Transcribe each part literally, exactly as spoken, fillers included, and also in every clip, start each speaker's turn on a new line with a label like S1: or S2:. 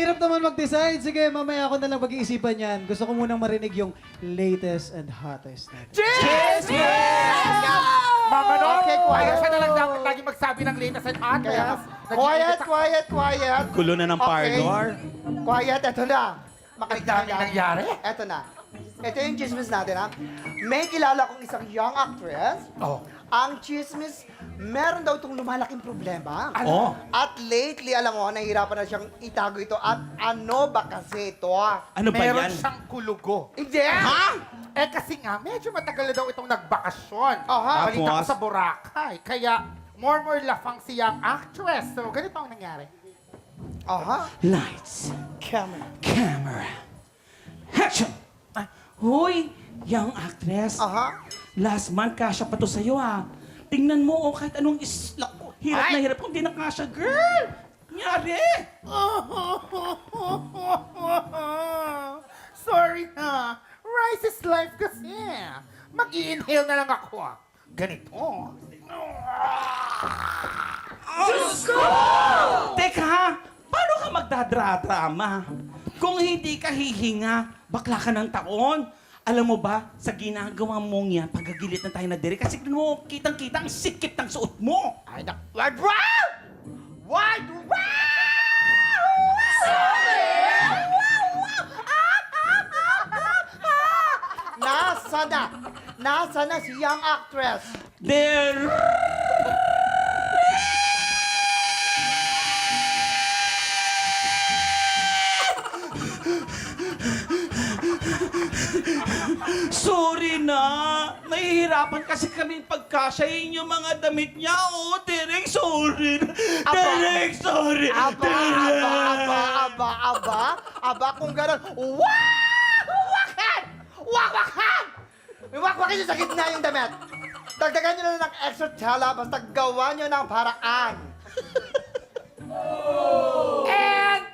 S1: hirap naman mag-decide. Sige, mamaya ako na lang pag-iisipan yan. Gusto ko munang marinig yung latest and hottest natin.
S2: Cheers! Mama, no?
S3: Okay, quiet.
S2: Siya na lang dapat lagi magsabi ng latest and hot.
S3: Kaya, quiet, quiet, quiet.
S4: Gulo na ng pardor.
S3: Quiet, eto na.
S2: Ang dami nangyari.
S3: Eto na. Ito yung chismis natin, ha? May kilala kong isang young actress.
S2: Oh.
S3: Ang chismis, meron daw itong lumalaking problema.
S4: Oh.
S3: At lately, alam mo, nahihirapan na siyang itago ito. At ano ba kasi ito?
S4: Ano ba
S2: Meron
S4: yan?
S2: siyang kulugo.
S3: Hindi!
S2: Ha? Eh kasi nga, medyo matagal na daw itong nagbakasyon.
S3: Aha.
S2: Balita ko
S4: Tapos?
S2: sa Boracay. Kaya, more more lafang si young actress. So, ganito ang nangyari.
S3: Aha.
S4: Lights,
S3: Camera.
S4: camera, action! Ah, Hoy, young actress.
S3: Aha.
S4: Last month, kasya pa to sa'yo, ah. Tingnan mo, oh, kahit anong isla. Hirap na hirap kung di na kasya, girl! Nyari!
S2: Sorry na. Rice is life kasi. Mag-i-inhale na lang ako. Ganito.
S4: Diyos ko! Teka, paano ka magdadra-drama? Kung hindi ka hihinga, bakla ka ng taon. Alam mo ba, sa ginagawa mong yan, pagagilit na tayo na dire, kasi mo, kitang-kita ang sikip ng suot mo.
S3: Ay, nak... Word wow! Word wow! Nasa na? Nasa na si young actress?
S4: There... Sorry na. Nahihirapan kasi kami pagkasyahin yung mga damit niya. Oh, Derek, sorry. Derek, sorry.
S3: Aba,
S4: Derek.
S3: aba, aba, aba, aba, aba, kung gano'n, wah! Wakan! Wawakan! Wawakin nyo sa gitna yung damit. Dagdagan nyo na ng extra tela, basta gawa nyo ng paraan.
S2: And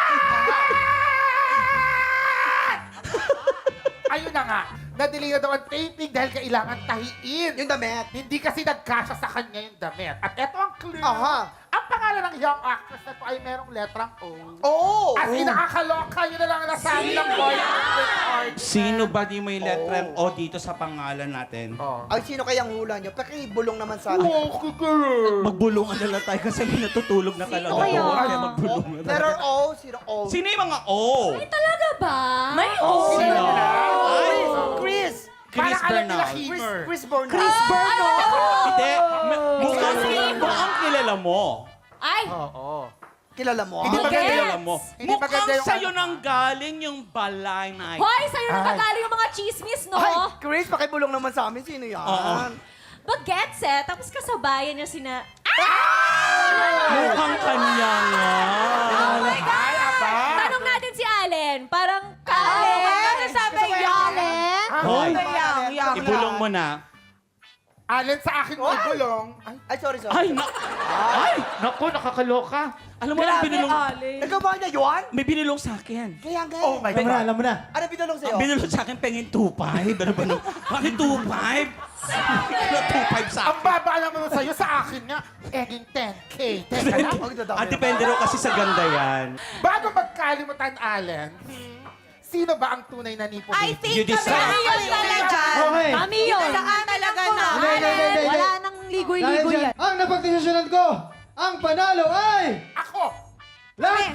S2: ayun na nga, nadili na daw ang taping dahil kailangan tahiin.
S3: Yung damit.
S2: Hindi kasi nagkasya sa kanya yung damit. At eto ang clue.
S3: Aha.
S2: Ang pangalan ng young actress na to ay merong letrang O.
S3: Oh!
S2: As in, nakakaloka. Yun na lang ang nasabi ng boy art.
S4: Sino ba di may letrang O dito sa pangalan natin?
S2: Oh.
S3: Ay, sino kayang hula nyo? Pakibulong naman sa akin.
S2: Oh, kukuru.
S4: Magbulungan na lang tayo kasi may natutulog na talaga.
S5: kaya?
S4: doon, Kaya magbulungan na lang.
S3: Letter O, sino O?
S4: Sino yung mga O?
S5: Ay, talaga ba? May
S2: Oh,
S4: Sino?
S3: Ay, Chris!
S2: Parang
S4: Chris
S2: alam nila
S4: Bernal.
S3: Chris,
S2: Heimer.
S3: Chris Bernal.
S5: Chris Bernal!
S4: Hindi. ma- Mukhang, mukhang kilala mo.
S5: Ay!
S2: Oo.
S3: Kilala mo?
S2: Hindi
S3: ah?
S2: maganda yung...
S4: Kilala mo.
S2: Hindi maganda
S4: Mukhang
S2: yung
S4: sa'yo
S2: ano,
S4: nang galing yung balay na
S5: Hoy, sa'yo na
S2: Ay.
S5: nagaling yung mga chismis, no?
S3: Ay, Chris, pakibulong naman sa amin. Sino yan?
S4: Oo.
S5: Bagets eh, tapos kasabayan niya sina...
S4: Mukhang kanya nga.
S5: Oh my God!
S2: Ay, aba.
S5: Tanong natin si Allen. Parang Allen. Ano sabi niya? Allen?
S4: Hoy,
S3: Yang,
S4: ibulong mo na.
S2: Alin sa akin
S3: Ay.
S2: ibulong. Ay,
S3: Ay, sorry, sorry.
S4: Ay, na, ay!
S2: naku, nakakaloka.
S4: Alam mo na, binulong,
S3: Nagawa niya yun?
S4: may binulong sa akin.
S3: Kaya nga.
S2: Oh my
S1: Alam mo na,
S2: God.
S1: alam mo na.
S3: Ano binulong sa'yo?
S4: Ang binulong sa akin, pengin two five. Ano ba nung? Bakit two five? two five sa
S2: Ang
S4: akin.
S2: baba lang naman sa'yo, sa akin nga, eging ten K. Teka lang.
S3: Ang dadami
S4: Ah,
S3: naman.
S4: depende rin kasi sa ganda yan.
S2: Bago magkalimutan, Allen, sino ba ang tunay na nipo?
S5: I think
S4: You
S5: kami
S4: decide.
S5: kami yun talaga.
S1: Okay.
S5: Kami yun. Saan talaga na?
S1: Hindi, hindi, hindi, hindi.
S5: Wala nang
S1: Dahil
S5: ligoy-ligoy
S1: dyan,
S5: yan.
S1: ang napagdesisyonan ko, ang panalo ay...
S2: Ako!
S1: Last